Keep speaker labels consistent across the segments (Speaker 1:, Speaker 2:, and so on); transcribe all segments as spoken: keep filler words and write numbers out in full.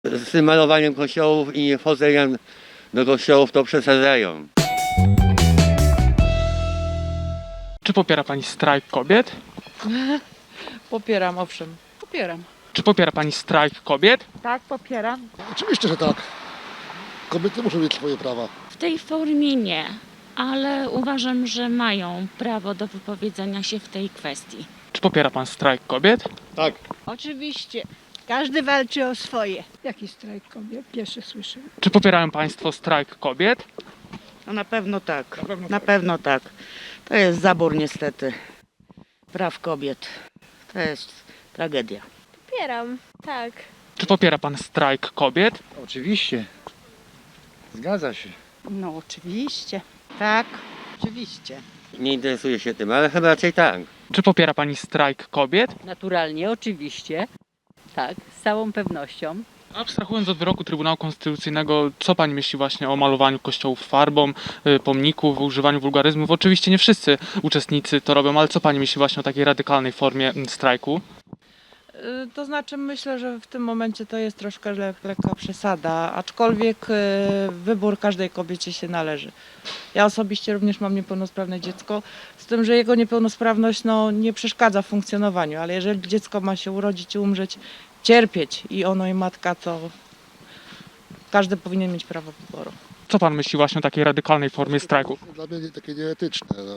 Speaker 1: Z tym malowaniem kościołów i niewchodzeniem do kościołów to przesadzają.
Speaker 2: Czy popiera Pani strajk kobiet?
Speaker 3: Popieram, owszem. Popieram.
Speaker 2: Czy popiera Pani strajk kobiet?
Speaker 3: Tak, popieram.
Speaker 4: Oczywiście, że tak. Kobiety muszą mieć swoje prawa.
Speaker 5: W tej formie nie, ale uważam, że mają prawo do wypowiedzenia się w tej kwestii.
Speaker 2: Czy popiera Pan strajk kobiet?
Speaker 4: Tak.
Speaker 6: Oczywiście. Każdy walczy o swoje. Jaki strajk kobiet? Pierwszy słyszę.
Speaker 2: Czy popierają Państwo strajk kobiet?
Speaker 7: No na pewno tak, na pewno, na pewno tak. To jest zabór niestety praw kobiet. To jest tragedia.
Speaker 8: Popieram, tak.
Speaker 2: Czy popiera Pan strajk kobiet?
Speaker 9: Oczywiście. Zgadza się.
Speaker 7: No oczywiście. Tak.
Speaker 6: Oczywiście.
Speaker 1: Nie interesuję się tym, ale chyba raczej tak.
Speaker 2: Czy popiera Pani strajk kobiet?
Speaker 10: Naturalnie, oczywiście. Tak, z całą pewnością.
Speaker 2: Abstrahując od wyroku Trybunału Konstytucyjnego, co Pani myśli właśnie o malowaniu kościołów farbą, y, pomników, używaniu wulgaryzmów? Oczywiście nie wszyscy uczestnicy to robią, ale co Pani myśli właśnie o takiej radykalnej formie mm, strajku?
Speaker 3: Y, To znaczy myślę, że w tym momencie to jest troszkę le lekka przesada, aczkolwiek y, wybór każdej kobiecie się należy. Ja osobiście również mam niepełnosprawne dziecko, z tym, że jego niepełnosprawność no, nie przeszkadza w funkcjonowaniu, ale jeżeli dziecko ma się urodzić i umrzeć, cierpieć i ono i matka, to każdy powinien mieć prawo wyboru.
Speaker 2: Co Pan myśli właśnie o takiej radykalnej formie strajku?
Speaker 4: Dla mnie nie- takie nieetyczne. No.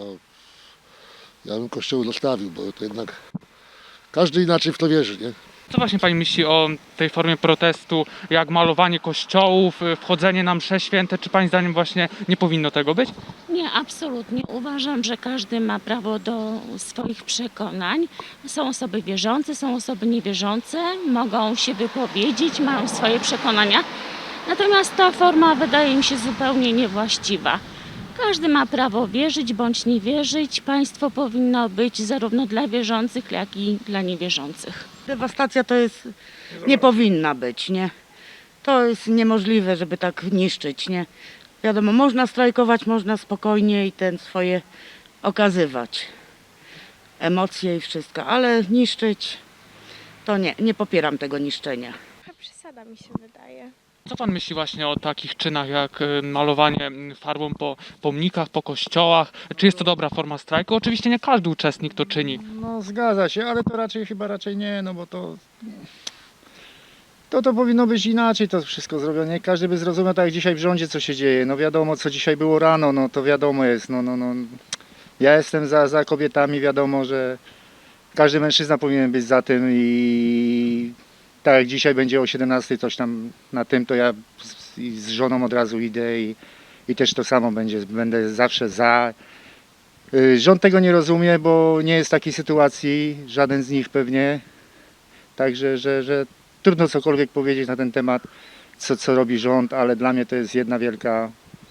Speaker 4: Ja bym kościół zostawił, bo to jednak każdy inaczej w to wierzy, nie?
Speaker 2: Co właśnie Pani myśli o tej formie protestu, jak malowanie kościołów, y, wchodzenie na msze święte? Czy Pani zdaniem właśnie nie powinno tego być?
Speaker 5: Nie, absolutnie. Uważam, że każdy ma prawo do swoich przekonań. Są osoby wierzące, są osoby niewierzące, mogą się wypowiedzieć, mają swoje przekonania. Natomiast ta forma wydaje mi się zupełnie niewłaściwa. Każdy ma prawo wierzyć bądź nie wierzyć. Państwo powinno być zarówno dla wierzących, jak i dla niewierzących.
Speaker 7: Dewastacja to jest, nie powinna być, nie? To jest niemożliwe, żeby tak niszczyć, nie? Wiadomo, można strajkować, można spokojnie i ten swoje okazywać. Emocje i wszystko, ale niszczyć to nie, nie popieram tego niszczenia.
Speaker 8: Trochę przesada mi się wydaje.
Speaker 2: Co Pan myśli właśnie o takich czynach jak y, malowanie mm, farbą po pomnikach, po kościołach? Czy jest to dobra forma strajku? Oczywiście nie każdy uczestnik to czyni.
Speaker 9: No zgadza się, ale to raczej chyba raczej nie, no bo to... To to powinno być inaczej to wszystko zrobione. Nie każdy by zrozumiał tak jak dzisiaj w rządzie co się dzieje. No wiadomo co dzisiaj było rano, no to wiadomo jest. No, no, no. Ja jestem za, za kobietami, wiadomo, że każdy mężczyzna powinien być za tym i tak jak dzisiaj będzie o siedemnastej coś tam na tym, to ja z, i z żoną od razu idę i, i też to samo będzie, będę zawsze za. Y, Rząd tego nie rozumie, bo nie jest takiej sytuacji, żaden z nich pewnie. Także, że, że trudno cokolwiek powiedzieć na ten temat, co, co robi rząd, ale dla mnie to jest jedna wielka...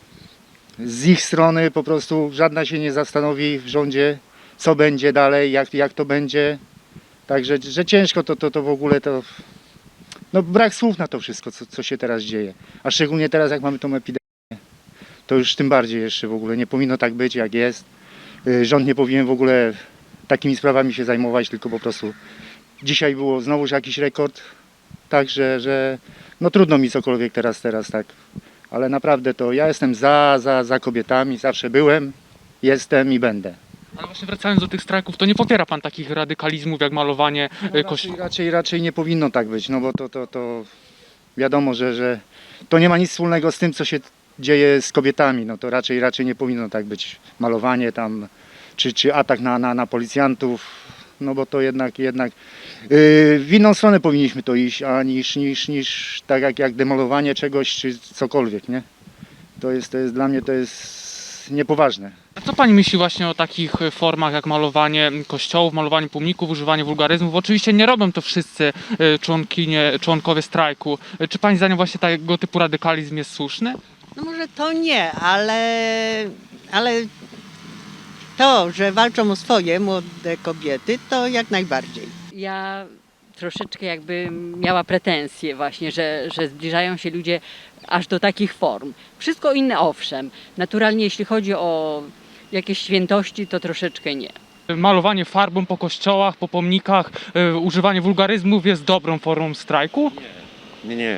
Speaker 9: Z ich strony po prostu żadna się nie zastanowi w rządzie, co będzie dalej, jak, jak to będzie. Także, że ciężko to, to, to w ogóle to... No brak słów na to wszystko, co, co się teraz dzieje. A szczególnie teraz, jak mamy tą epidemię, to już tym bardziej jeszcze w ogóle nie powinno tak być, jak jest. Y, Rząd nie powinien w ogóle takimi sprawami się zajmować, tylko po prostu dzisiaj było znowuż jakiś rekord, także, że no trudno mi cokolwiek teraz, teraz tak, ale naprawdę to ja jestem za, za, za kobietami, zawsze byłem, jestem i będę.
Speaker 2: Ale właśnie wracając do tych strajków, to nie popiera Pan takich radykalizmów jak malowanie
Speaker 9: No,
Speaker 2: y,
Speaker 9: raczej,
Speaker 2: kościołów?
Speaker 9: raczej, raczej nie powinno tak być, no bo to, to, to wiadomo, że, że to nie ma nic wspólnego z tym, co się dzieje z kobietami, no to raczej, raczej nie powinno tak być, malowanie tam, czy, czy atak na, na, na policjantów, no bo to jednak, jednak yy, w inną stronę powinniśmy to iść, a niż, niż, niż tak jak, jak demolowanie czegoś, czy cokolwiek, nie? To jest, to jest dla mnie to jest niepoważne.
Speaker 2: A co Pani myśli właśnie o takich y, formach jak malowanie kościołów, malowanie pomników, używanie wulgaryzmów? Oczywiście nie robią to wszyscy y, członkinie, członkowie strajku. Y, Czy Pani zdaniem właśnie tego typu radykalizm jest słuszny?
Speaker 6: No może to nie, ale, ale to, że walczą o swoje młode kobiety, to jak najbardziej.
Speaker 10: Ja troszeczkę jakby miała pretensje właśnie, że, że zbliżają się ludzie aż do takich form. Wszystko inne owszem. Naturalnie jeśli chodzi o jakieś świętości, to troszeczkę nie.
Speaker 2: Malowanie farbą po kościołach, po pomnikach, y, używanie wulgaryzmów jest dobrą formą strajku?
Speaker 1: Nie, nie.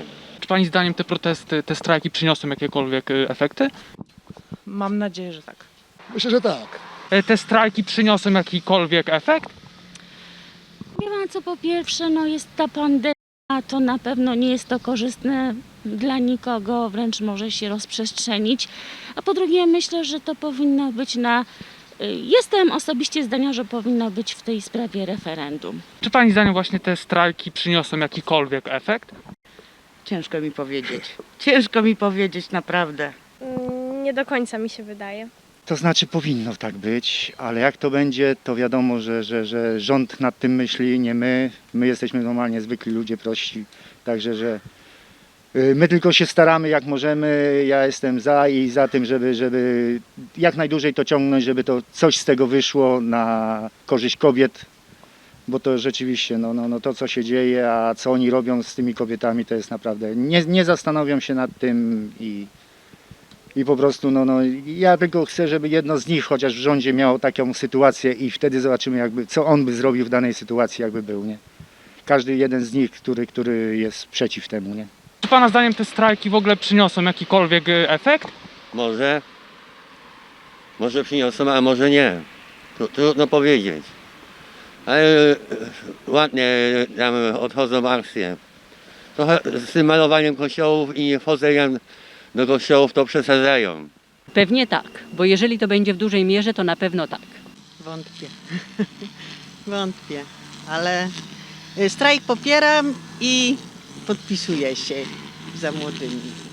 Speaker 2: Czy pani zdaniem te protesty, te strajki przyniosą jakiekolwiek y, efekty?
Speaker 3: Mam nadzieję, że tak.
Speaker 4: Myślę, że tak.
Speaker 2: E, Te strajki przyniosą jakikolwiek efekt?
Speaker 5: Wie pan co, po pierwsze, no jest ta pandemia, to na pewno nie jest to korzystne dla nikogo, wręcz może się rozprzestrzenić. A po drugie, myślę, że to powinno być na... Jestem osobiście zdania, że powinno być w tej sprawie referendum.
Speaker 2: Czy pani zdaniem właśnie te strajki przyniosą jakikolwiek efekt?
Speaker 7: Ciężko mi powiedzieć. Ciężko mi powiedzieć, naprawdę.
Speaker 8: Mm, Nie do końca mi się wydaje.
Speaker 9: To znaczy powinno tak być, ale jak to będzie, to wiadomo, że, że, że rząd nad tym myśli, nie my. My jesteśmy normalnie zwykli ludzie prości, także że y, my tylko się staramy jak możemy. Ja jestem za i za tym, żeby, żeby jak najdłużej to ciągnąć, żeby to coś z tego wyszło na korzyść kobiet, bo to rzeczywiście no, no, no to co się dzieje, a co oni robią z tymi kobietami, to jest naprawdę, nie, nie zastanowią się nad tym i I po prostu, no, no, ja tylko chcę, żeby jedno z nich chociaż w rządzie miało taką sytuację i wtedy zobaczymy, jakby, co on by zrobił w danej sytuacji, jakby był, nie? Każdy jeden z nich, który, który jest przeciw temu, nie?
Speaker 2: Czy pana zdaniem te strajki w ogóle przyniosą jakikolwiek y, efekt?
Speaker 1: Może, może przyniosą, a może nie. Tru- Trudno powiedzieć. Ale e, ładnie tam odchodzą akcje. Trochę z tym malowaniem kościołów i wchodzeniem do kościołów to przesadzają.
Speaker 10: Pewnie tak, bo jeżeli to będzie w dużej mierze, to na pewno tak.
Speaker 6: Wątpię. Wątpię, ale y, strajk popieram i podpisuję się za młodymi.